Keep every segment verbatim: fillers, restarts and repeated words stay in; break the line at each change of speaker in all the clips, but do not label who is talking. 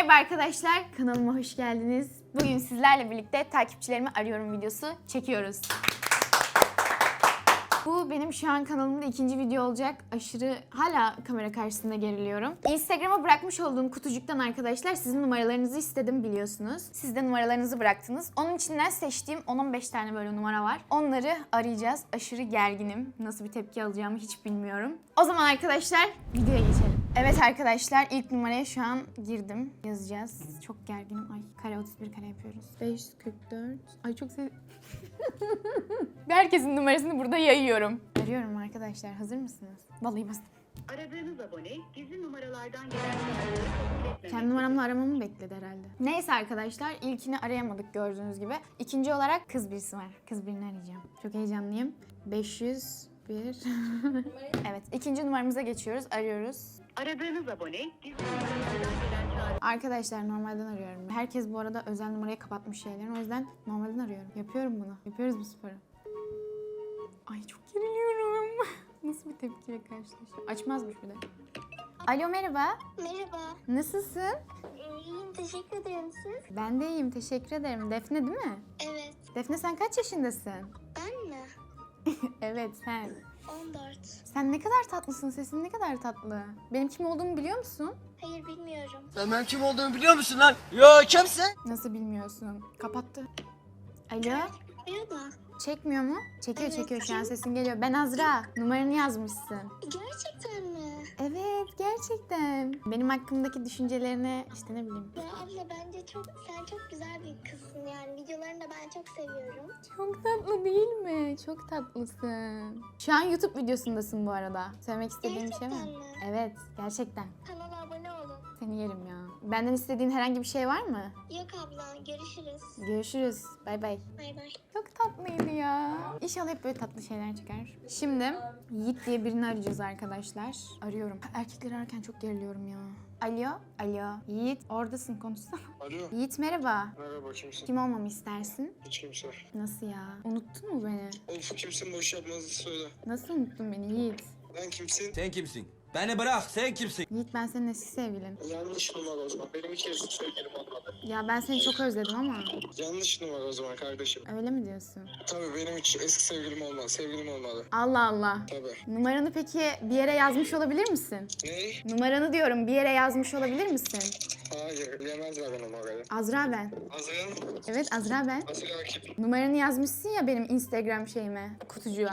Merhaba arkadaşlar, kanalıma hoş geldiniz. Bugün sizlerle birlikte takipçilerimi arıyorum videosu çekiyoruz. Bu benim şu an kanalımda ikinci video olacak. Aşırı hala kamera karşısında geriliyorum. Instagram'a bırakmış olduğum kutucuktan arkadaşlar sizin numaralarınızı istedim biliyorsunuz. Siz de numaralarınızı bıraktınız. Onun içinden seçtiğim on on beş tane böyle numara var. Onları arayacağız. Aşırı gerginim. Nasıl bir tepki alacağımı hiç bilmiyorum. O zaman arkadaşlar videoya geçelim. Evet arkadaşlar ilk numaraya şu an girdim. Yazacağız. Çok gerginim. Ay kare otuz bir kare yapıyoruz. beş yüz kırk dört. Ay çok sev... Herkesin numarasını burada yayıyorum. Arıyorum arkadaşlar. Hazır mısınız? Vallahi bastım.
Aradığınız abone gizli numaralardan gelen çağrıları kabul etmemek.
Kendi numaramla aramamı bekledi herhalde. Neyse arkadaşlar ilkini arayamadık gördüğünüz gibi. İkinci olarak kız birisi var. Kız birini arayacağım. Çok heyecanlıyım. beş yüz bir. Evet ikinci numaramıza geçiyoruz. Arıyoruz.
Aradığınız abone gizli numaralardan gelen çağrı.
Arkadaşlar normalden arıyorum. Herkes bu arada özel numarayı kapatmış şeylerini. O yüzden normalden arıyorum. Yapıyorum bunu. Yapıyoruz bu sporu. Ay çok geriliyorum. Nasıl bir tepkiyle karşılaşacağım? Açmazmış bir de. Alo merhaba.
Merhaba.
Nasılsın?
İyiyim, teşekkür ederim siz.
Ben de iyiyim. Teşekkür ederim. Defne değil mi?
Evet.
Defne sen kaç yaşındasın?
Ben mi?
Evet sen.
on dört.
Sen ne kadar tatlısın. Sesin ne kadar tatlı. Benim kim olduğumu biliyor musun?
Hayır, bilmiyorum.
Sen benim kim olduğumu biliyor musun lan? Yo kimsin?
Nasıl bilmiyorsun? Kapattı. Alo?
Merhaba.
Çekmiyor mu? Çekiyor
Evet,
çekiyor şu an
kim?
sesin geliyor. Ben Azra. Numaranı yazmışsın.
Gerçekten mi?
Evet gerçekten. Benim hakkımdaki düşüncelerini işte ne bileyim.
Ya abla bence çok, sen çok güzel bir kızsın yani. Videolarını da ben çok seviyorum.
Çok tatlı değil mi? Çok tatlısın. Şu an YouTube videosundasın bu arada. Söylemek istediğim bir şey mi?
Gerçekten mi?
Evet gerçekten.
Kanala abone olun.
Seni yerim ya. Benden istediğin herhangi bir şey var mı?
Yok abla, görüşürüz.
Görüşürüz. Bay bay.
Bay bay.
Çok tatlıydı ya. İnşallah hep böyle tatlı şeyler çıkar. Şimdi Yiğit diye birini arayacağız arkadaşlar. Arıyorum. Erkekleri ararken çok geriliyorum ya. Alo, alo. Yiğit, oradasın konuşsana.
Alo.
Yiğit merhaba.
Merhaba, kimsin?
Kim olmamı istersin?
Hiç kimse.
Nasıl ya? Unuttun mu beni?
Of, kimsin, boş yapmanızı söyle.
Nasıl unuttun beni Yiğit?
Ben kimsin?
Sen kimsin? Beni bırak, sen kimsin?
Yiğit ben senin eski sevgilin.
Yanlış numara o zaman. Benim hiç eski sevgilim olmadı.
Ya ben seni çok özledim ama.
Yanlış numara o zaman kardeşim.
Öyle mi diyorsun?
Tabii benim hiç eski sevgilim olmadı. Sevgilim olmadı.
Allah Allah.
Tabii.
Numaranı peki bir yere yazmış olabilir misin?
Ne?
Numaranı diyorum bir yere yazmış olabilir misin?
Hayır. Bilemezler o numarayı.
Azra ben.
Azrail.
Evet Azra ben.
Azrail kim?
Numaranı yazmışsın ya benim Instagram şeyime, kutucuğa.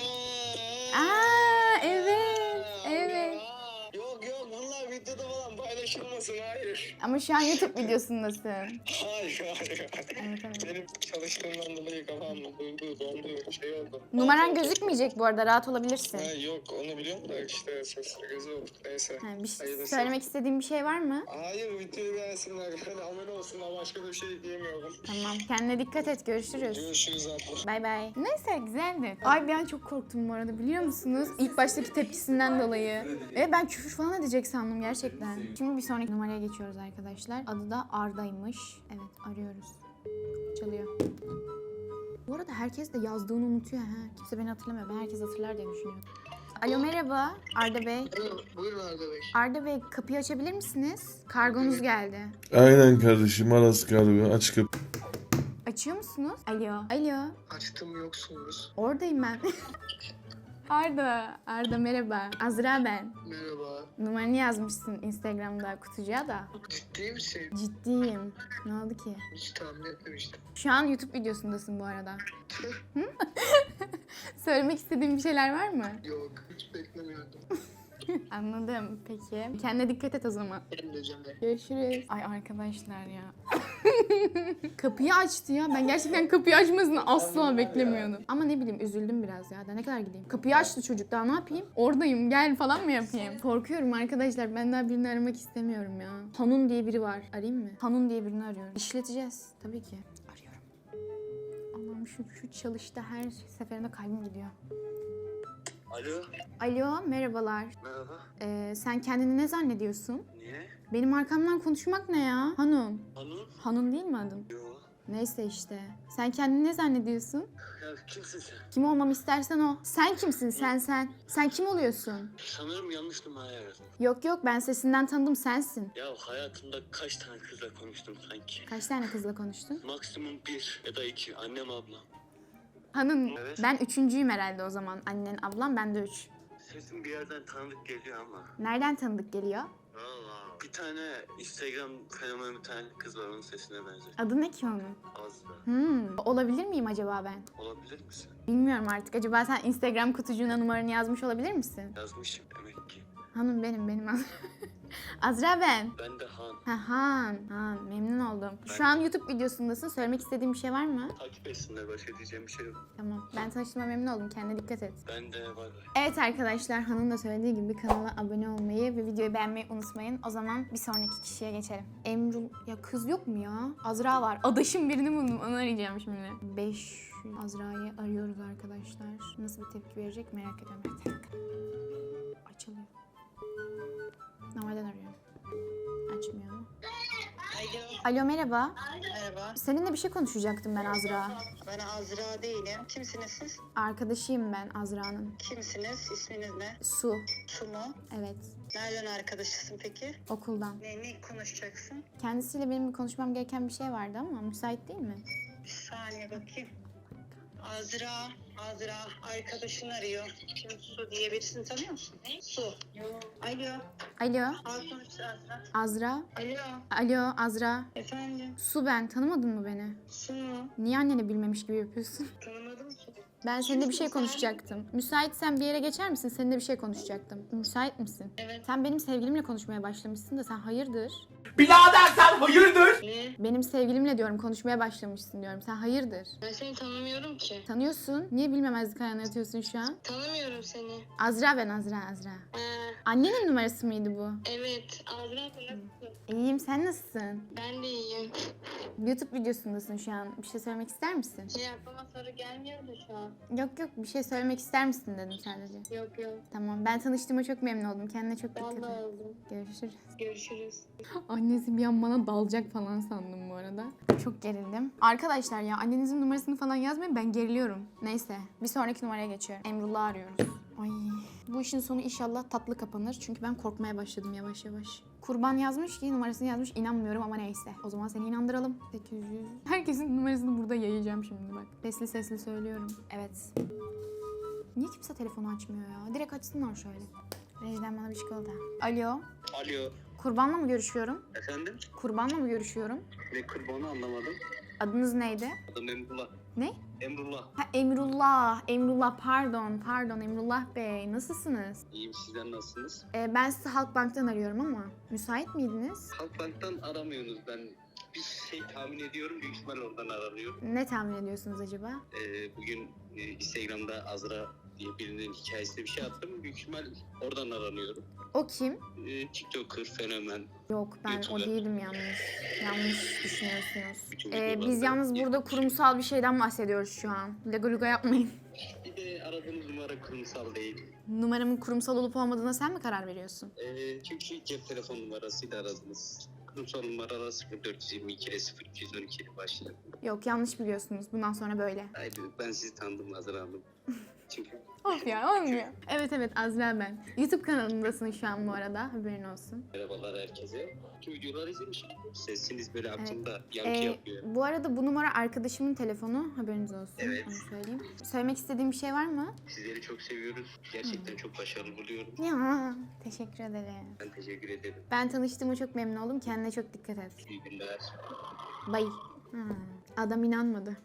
Aa,
Aa evet, evet.
Yok yok, bunlar videoda falan paylaşılmasın, hayır.
Ama şu an YouTube videosundasın.
Hayır hayır.
Evet, evet.
Benim çalıştığımdan dolayı kafam durdu, dondu, şey oldu.
Numaran gözükmeyecek bu arada, rahat olabilirsin.
Ha, yok onu biliyorum da işte sesli gözü oldu, neyse.
Ha, bir şey,
Hayırlısı.
söylemek istediğin bir şey var mı?
Hayır, videoyu beğensinler, yani abone olsunlar, başka bir şey diyemiyorum.
Tamam, kendine dikkat et, görüşürüz.
Görüşürüz abla.
Bay bay. Neyse güzeldi. Ay bir an çok korktum bu arada biliyor musunuz? İlk baştaki tepkisinden dolayı. Evet ben küfür falan edecek sandım gerçekten. Şimdi bir sonraki numaraya geçiyoruz arkadaşlar. Adı da Arda'ymış. Evet arıyoruz. Çalıyor. Bu arada herkes de yazdığını unutuyor ha. Kimse beni hatırlamıyor. Ben herkes hatırlar diye düşünüyorum. Alo merhaba Arda Bey.
Buyurun arkadaş.
Arda Bey kapıyı açabilir misiniz? Kargonuz geldi.
Aynen kardeşim, Aras galiba, aç kapı.
Açıyor musunuz? Alo. Alo.
Açtım, yoksunuz.
Oradayım ben. Arda. Arda merhaba. Azra ben.
Merhaba.
Numaranı yazmışsın Instagram'da kutucuğa da.
Ciddi misin?
Ciddiyim. Ne oldu ki?
Hiç tahmin etmemiştim.
Şu an YouTube videosundasın bu arada. Hı? Söylemek istediğin bir şeyler var mı?
Yok, hiç beklemiyordum.
Anladım. Peki. Kendine dikkat et o zaman.
Benim de canım.
Görüşürüz. Ay arkadaşlar ya. Kapıyı açtı ya. Ben gerçekten kapıyı açmasını asla beklemiyordum. Ama ne bileyim üzüldüm biraz ya. Daha ne kadar gideyim? Kapıyı açtı çocuk, daha ne yapayım? Oradayım gel falan mı yapayım? Korkuyorum arkadaşlar. Ben daha birini aramak istemiyorum ya. Hanun diye biri var. Arayayım mı? Hanun diye birini arıyorum. İşleteceğiz. Tabii ki. Arıyorum. Allah'ım şu, şu çalışta her seferinde kalbim gidiyor.
Alo.
Alo merhabalar.
Merhaba.
Ee, sen kendini ne zannediyorsun?
Niye?
Benim arkamdan konuşmak ne ya? Hanun.
Hanım?
Hanun değil mi adın?
Yok.
Neyse işte. Sen kendini ne zannediyorsun?
Ya kimsin sen?
Kim olmamı istersen o. Sen kimsin sen sen? Sen kim oluyorsun?
Sanırım yanlış numarayı aradım.
Yok yok ben sesinden tanıdım sensin.
Ya hayatımda kaç tane kızla konuştum sanki?
Kaç tane kızla konuştun?
Maksimum bir ya da iki. Annem ablam.
Hanım
Evet.
ben üçüncüyüm herhalde o zaman. Annen ablam ben de üç.
Sesin bir yerden tanıdık geliyor ama.
Nereden tanıdık geliyor?
Valla. Bir tane Instagram fenomeni bir tane kız var, onun sesine benziyor.
Adı ne ki onun?
Azra.
Hmm, olabilir miyim acaba ben?
Olabilir misin?
Bilmiyorum artık. Acaba sen Instagram kutucuğuna numaranı yazmış olabilir misin?
Yazmışım demek ki.
Hanım benim, benim Azra. Azra ben.
Ben de Han.
Ha, Han, Han. Memnun oldum. Şu an YouTube videosundasın. Söylemek istediğin bir şey var mı?
Takip etsinler, başka diyeceğim bir şey yok.
Tamam. Ben tanıştığıma memnun oldum. Kendine dikkat et.
Ben de var var.
Evet arkadaşlar, Han'ın da söylediği gibi kanala abone olmayı ve videoyu beğenmeyi unutmayın. O zaman bir sonraki kişiye geçelim. Emrul... Ya kız yok mu ya? Azra var. Adaşım birini buldum. Onu arayacağım şimdi. beş Azra'yı arıyoruz arkadaşlar. Nasıl bir tepki verecek merak ediyorum. Bir dakika. Açılıyor. Normalden arıyorum. Açmıyor.
Alo.
Alo merhaba.
Merhaba.
Seninle bir şey konuşacaktım ben Azra.
Ben Azra değilim. Kimsiniz siz?
Arkadaşıyım ben Azra'nın.
Kimsiniz? İsminiz ne?
Su.
Su mu?
Evet.
Nereden arkadaşısın peki?
Okuldan.
Ne, ne konuşacaksın?
Kendisiyle benim konuşmam gereken bir şey vardı ama müsait değil mi?
Bir saniye bakayım. Azra, Azra arkadaşını arıyor. Kim Su diye birisini tanıyor musun? Su. Alo.
Alo.
Al konuş Azra.
Azra.
Alo.
Alo Azra.
Efendim.
Su ben. Tanımadın mı beni?
Su mu?
Niye anneni bilmemiş gibi yapıyorsun?
Tanımadım ki.
Ben seninle bir şey konuşacaktım. Müsaitsen bir yere geçer misin? Seninle bir şey konuşacaktım. Müsait misin?
Evet.
Sen benim sevgilimle konuşmaya başlamışsın da sen hayırdır?
Birader sen hayırdır?
Ne?
Benim sevgilimle diyorum konuşmaya başlamışsın diyorum. Sen hayırdır?
Ben seni tanımıyorum ki.
Tanıyorsun. Niye bilmemezlik ayağına yatıyorsun şu an?
Tanımıyorum seni.
Azra ben Azra Azra.
Ha,
Annenin numarası mıydı bu?
evet. Azra nasılsın?
İyiyim sen nasılsın?
Ben de iyiyim.
YouTube videosundasın şu an. Bir şey söylemek ister misin?
Şey aklıma soru gelmiyor da şu an.
Yok yok bir şey söylemek ister misin dedim sadece.
Yok yok.
Tamam ben tanıştığıma çok memnun oldum. Kendine çok dikkat
Ben de
et.
oldum.
Görüşürüz.
Görüşürüz.
Annesi bir an bana dalacak falan sandım bu arada. Çok gerildim. Arkadaşlar ya annenizin numarasını falan yazmayın ben geriliyorum. Neyse bir sonraki numaraya geçiyorum. Emrullah'ı arıyoruz. Ay bu işin sonu inşallah tatlı kapanır. Çünkü ben korkmaya başladım yavaş yavaş. Kurban yazmış ki numarasını yazmış inanmıyorum ama neyse. O zaman seni inandıralım. sekiz yüz. Herkesin numarasını burada yayacağım şimdi bak. Sesli sesli söylüyorum. Evet. Niye kimse telefonu açmıyor ya? Direkt açsınlar şöyle. Rejiden bana bir çikolata. Alo.
Alo.
Kurbanla mı görüşüyorum?
Efendim?
Kurbanla mı görüşüyorum?
Ne kurbanı anlamadım.
Adınız neydi?
Adım Emrullah.
Ne?
Emrullah.
Ha Emrullah. Emrullah pardon. Pardon Emrullah Bey. Nasılsınız?
İyiyim, sizler nasılsınız?
Ee, ben sizi Halkbank'tan arıyorum ama müsait miydiniz?
Halkbank'tan aramıyorsunuz, ben bir şey tahmin ediyorum, büyük ihtimal oradan aranıyor.
Ne tahmin ediyorsunuz acaba?
Ee, bugün e, Instagram'da Azra diye birinin hikayesinde bir şey attım, büyük ihtimal oradan aranıyorum.
O kim?
Ee, TikToker, fenomen.
Yok ben o
YouTuber.
değilim yalnız. Yanlış düşünüyorsunuz.
Bütün
Ee,
videolarda
biz yalnız burada
yapmış.
kurumsal bir şeyden bahsediyoruz şu an. Lega luga yapmayın.
Bir de aradığınız numara kurumsal değil.
Numaramın kurumsal olup olmadığına sen mi karar veriyorsun?
Ee, çünkü cep telefon numarasıyla aradınız. Kurumsal numaralar sıfır dört yirmi iki ile sıfır iki on iki ile başlıyor.
Yok yanlış biliyorsunuz. Bundan sonra böyle.
Haydi, ben sizi tanıdım Azra Hanım. Çünkü
Of ya olmuyor. Evet evet Azra ben. YouTube kanalındasın şu an bu arada. Haberin olsun.
merhabalar herkese. Tüm videoları izlemişim. Sesiniz böyle aklımda yankı
Ee,
yapıyor.
bu arada bu numara arkadaşımın telefonu. Haberiniz olsun.
Evet.
Onu söyleyeyim. Söylemek istediğim bir şey var mı?
Sizleri çok seviyoruz. Gerçekten çok başarılı buluyorum.
Ya teşekkür ederim.
Ben teşekkür ederim.
Ben tanıştığıma çok memnun oldum. Kendine çok dikkat et.
İyi günler.
Bye. Ha, adam inanmadı.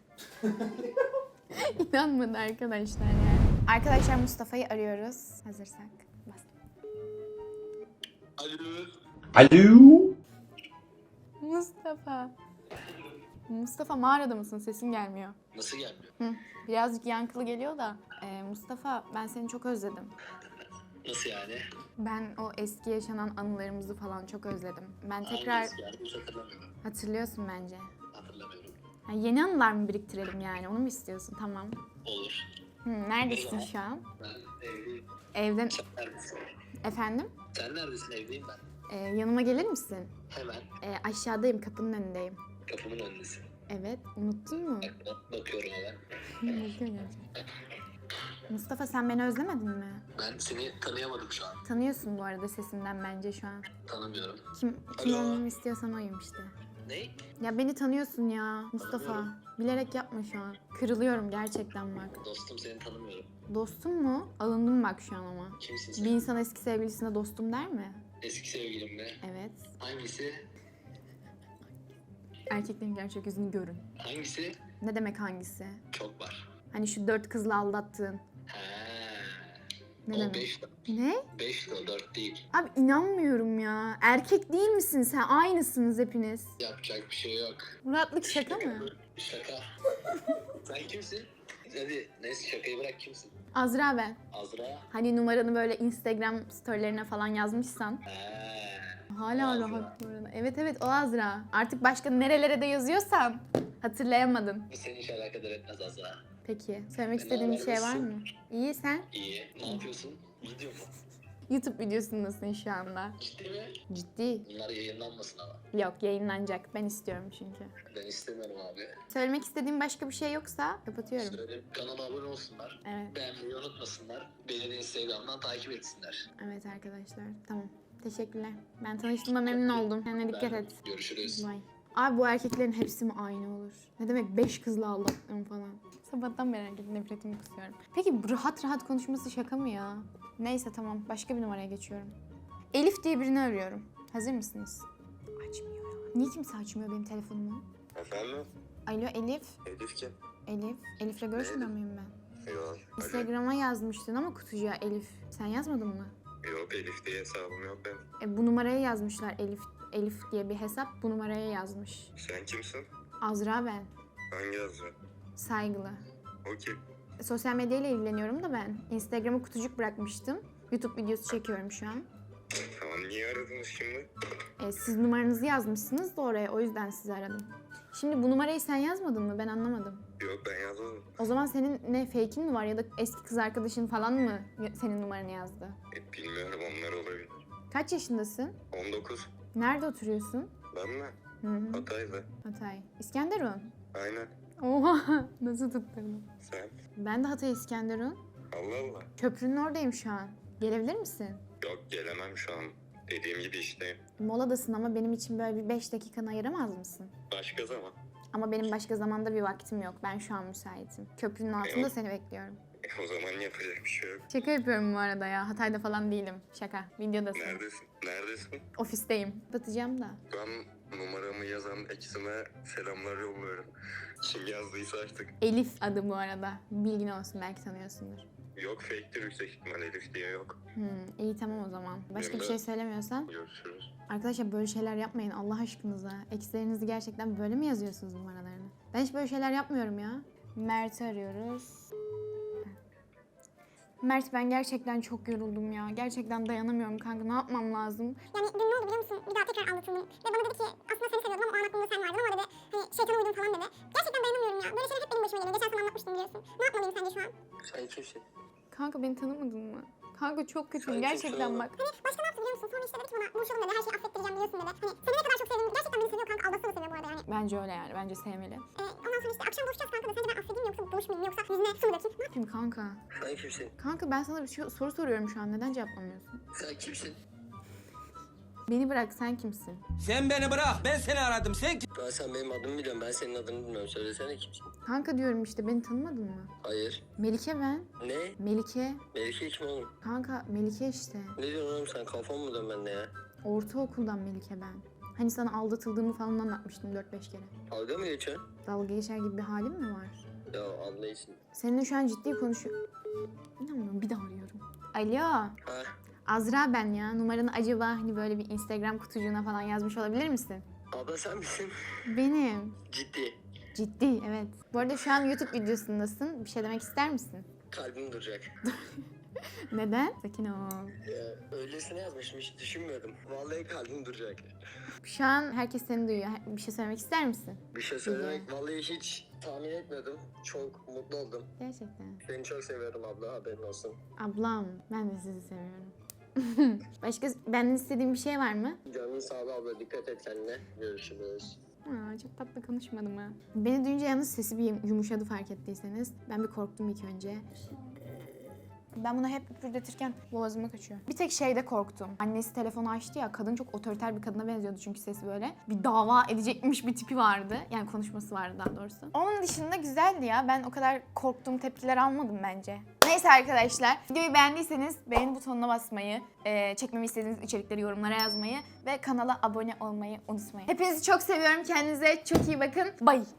İnanmadı arkadaşlar yani. Arkadaşlar Mustafa'yı arıyoruz. Hazırsak. Bas.
Alo.
Alo.
Mustafa. Mustafa mağarada mısın? Sesin gelmiyor.
Nasıl gelmiyor?
Hı, birazcık yankılı geliyor da. Ee, Mustafa ben seni çok özledim.
Nasıl yani?
Ben o eski yaşanan anılarımızı falan çok özledim. Ben tekrar
Hangisi yani? Hiç hatırlamıyorum.
hatırlıyorsun bence.
Hatırlamıyorum.
Ha, yeni anılar mı biriktirelim yani? Onu mu istiyorsun? Tamam.
Olur.
Hı, neredesin şu an?
Ben evliyim.
Evden.
Sen neredesin?
Efendim?
Sen neredesin? Evdeyim ben.
Ee, yanıma gelir misin?
Hemen
Ee, aşağıdayım, kapının önündeyim.
kapımın önündesin.
Evet, unuttun mu?
Bak- Bakıyorum hemen.
Bakıyorum gerçekten. Mustafa sen beni özlemedin mi?
Ben seni tanıyamadım şu an.
Tanıyorsun bu arada sesinden bence şu an.
Tanımıyorum.
Kim, kim
Alo.
olmamı istiyorsan oyum işte.
Ne?
Ya beni tanıyorsun ya Mustafa.
Tanımıyorum.
Bilerek yapma şu an. Kırılıyorum gerçekten bak.
Dostum seni tanımıyorum.
Dostum mu? Alındım bak şu an ama.
Kimsin
Bir
sen?
insan eski sevgilisine dostum der mi?
Eski sevgilim mi?
Evet.
Hangisi?
Erkeklerin gerçek yüzünü görün.
Hangisi?
Ne demek hangisi?
Çok var.
Hani şu dört kızla aldattığın.
He.
Ne
o
demek?
beş.
Ne?
beş de o dört değil.
Abi inanmıyorum ya. Erkek değil misin sen? Aynısınız hepiniz.
Yapacak bir şey yok.
Muratlık şaka mı?
Şaka. Sen kimsin? Hadi neyse şakayı bırak, kimsin?
Azra ben.
Azra.
Hani numaranı böyle Instagram storylerine falan yazmışsan.
He.
Hala
Azra.
rahat bu arada. Evet evet o Azra. Artık başka nerelere de yazıyorsan hatırlayamadın.
Bu seni hiç alakadar etmez Azra.
Peki söylemek
Ne
istediğin bir
haber,
şey var
nasılsın?
mı? İyi sen?
İyi. Ne yapıyorsun? Video mu?
YouTube videosundasın şu anda.
Ciddi mi?
Ciddi.
Bunlar yayınlanmasın ama.
Yok yayınlanacak. Ben istiyorum çünkü.
Ben istemiyorum abi.
Söylemek istediğin başka bir şey yoksa kapatıyorum.
Söyle, kanala abone olsunlar.
Evet.
Beğenmeyi unutmasınlar. Beni de Instagram'dan takip etsinler.
Evet arkadaşlar. Tamam. Teşekkürler. Ben tanıştığıma memnun oldum. Kendine dikkat
Ben-
et.
Görüşürüz.
Bye. Abi bu erkeklerin hepsi mi aynı olur? Ne demek beş kızla aldattım falan. Sabahtan beri erkek nefretimi kusuyorum. Peki bu rahat rahat konuşması şaka mı ya? Neyse tamam başka bir numaraya geçiyorum. Elif diye birini arıyorum. Hazır mısınız? Açmıyor ya. Niye kimse açmıyor benim telefonumu?
Efendim?
Alo Elif.
Elif kim?
Elif. Elif'le görüşmüyor muyum ben?
Yok.
Instagram'a yazmıştın ama kutucuğa Elif. Sen yazmadın mı?
Yok, Elif diye hesabım yok benim.
E, bu numaraya yazmışlar Elif. Elif diye bir hesap bu numaraya yazmış.
Sen kimsin?
Azra ben.
Hangi yazı?
Saygılı.
O kim?
Sosyal medyayla ilgileniyorum da ben. Instagram'a kutucuk bırakmıştım. YouTube videosu çekiyorum şu an.
Tamam, niye aradınız şimdi?
E, siz numaranızı yazmışsınız da oraya. O yüzden sizi aradım. Şimdi bu numarayı sen yazmadın mı? Ben anlamadım.
Yok, ben yazmadım.
O zaman senin ne fake'in mi var ya da eski kız arkadaşın falan mı senin numaranı yazdı?
E, bilmiyorum, onlar olabilir.
Kaç yaşındasın?
on dokuz.
Nerede oturuyorsun?
Ben mi?
Hı hı.
Hatay'da.
Hatay. İskenderun.
Aynen.
Oha nasıl tutturdun?
Sen?
Ben de Hatay İskenderun.
Allah Allah.
Köprünün oradayım şu an. Gelebilir misin?
Yok, gelemem şu an. Dediğim gibi işteyim.
Moladasın ama benim için böyle bir beş dakikanı ayıramaz mısın?
Başka zaman.
Ama benim başka zamanda bir vaktim yok. Ben şu an müsaitim. Köprünün altında
Yok.
seni bekliyorum.
E, o zaman yapacak bir şey yok.
Şaka yapıyorum bu arada ya. Hatay'da falan değilim. Şaka. Videodasın.
Neredesin? Neredesin?
Ofisteyim. Batacağım da.
Ben numaramı yazan eksime selamlar yolluyorum. Kim yazdıysa artık.
Elif adı bu arada. Bilgin olsun belki tanıyorsundur.
Yok, fake'tir yüksek ihtimal, Elif diye yok.
Hmm, iyi tamam o zaman. Başka bir
Benim de-
şey söylemiyorsan.
Görüşürüz.
Arkadaşlar böyle şeyler yapmayın Allah aşkınıza. Ekslerinizi gerçekten böyle mi yazıyorsunuz numaralarını? Ben hiç böyle şeyler yapmıyorum ya. Mert'i arıyoruz. Mert ben gerçekten çok yoruldum ya. Gerçekten dayanamıyorum kanka. Ne yapmam lazım?
Yani dün ne oldu biliyor musun? Bir daha tekrar anlatıldım. Ve bana dedi ki aslında seni seviyordum ama o an aklımda sen vardın ama dedi hani şeytana uydum falan dedi. Gerçekten dayanamıyorum ya. Böyle şeyler hep benim başıma geliyor. Geçen sene anlatmıştım biliyorsun. Ne yapmalıyım sence şu an?
Sen kimsin?
Kanka beni tanımadın mı? Kanka çok kötüyüm
Sen
gerçekten
kimsin
bak.
Hani başka ne yaptı biliyor musun? Sonra işte dedi ki bana buluşalım dedi. Her şeyi affettireceğim biliyorsun dedi. Hani seni ne kadar çok sevdiğimi gerçekten beni seviyor kanka. Aldatsa da seviyor bu arada yani.
Bence öyle yani. Bence sevmeli.
Ee, ondan sonra işte akşam buluşacağız kanka da sence ben affedeyim yoksa buluşmayayım yoksa yüzüne su mu dökeyim?
Ne yapayım kanka?
Sen kimsin?
Kanka ben sana bir şey, soru soruyorum şu an. Neden cevaplamıyorsun?
Sen kimsin?
Beni bırak sen kimsin?
Sen beni bırak, ben seni aradım. Sen kim?
Ben sen benim adımı biliyorum. Ben senin adını bilmiyorum. Söylesene kimsin?
Kanka diyorum işte beni tanımadın mı?
Hayır.
Melike ben.
Ne?
Melike.
Melike kim oğlum?
Kanka Melike işte.
Ne diyorsun oğlum sen? Kafan mı dön bende ya?
Ortaokuldan Melike ben. Hani sana aldatıldığımı falan anlatmıştım dört beş kere.
Dalga mı geçiyorsun?
Dalga geçer gibi bir halim mi var?
Ya anlayışsın.
Seninle şu an ciddi konuşuyor. İnanmıyorum bir daha arıyorum. Alo.
Ha?
Azra ben ya. Numaranı acaba hani böyle bir Instagram kutucuğuna falan yazmış olabilir misin?
Abla sen misin?
Benim.
Ciddi.
Ciddi evet. Bu arada şu an YouTube videosundasın. Bir şey demek ister misin?
Kalbim duracak.
Neden? Sakin ol.
Ya, öylesine yazmışım, hiç düşünmüyordum. Vallahi kalbim duracak.
Şu an herkes seni duyuyor. Bir şey söylemek ister misin?
Bir şey söylemek vallahi hiç tahmin etmiyordum. Çok mutlu oldum.
Gerçekten.
Seni çok seviyorum abla, haberin olsun.
Ablam ben de sizi seviyorum. Başka benden istediğin bir şey var mı?
Canın sağlığı abla, dikkat et kendine. Görüşürüz.
Aa, çok tatlı konuşmadım ha. Beni duyunca yalnız sesi bir yumuşadı fark ettiyseniz. Ben bir korktum ilk önce. Ben bunu hep üpürdetirken boğazıma kaçıyor. Bir tek şeyde korktum. Annesi telefonu açtı ya, kadın çok otoriter bir kadına benziyordu çünkü sesi böyle. Bir dava edecekmiş bir tipi vardı. Yani konuşması vardı daha doğrusu. Onun dışında güzeldi ya. Ben o kadar korktuğum tepkiler almadım bence. Neyse arkadaşlar, videoyu beğendiyseniz beğeni butonuna basmayı, e, çekmemi istediğiniz içerikleri yorumlara yazmayı ve kanala abone olmayı unutmayın. Hepinizi çok seviyorum. Kendinize çok iyi bakın. Bye.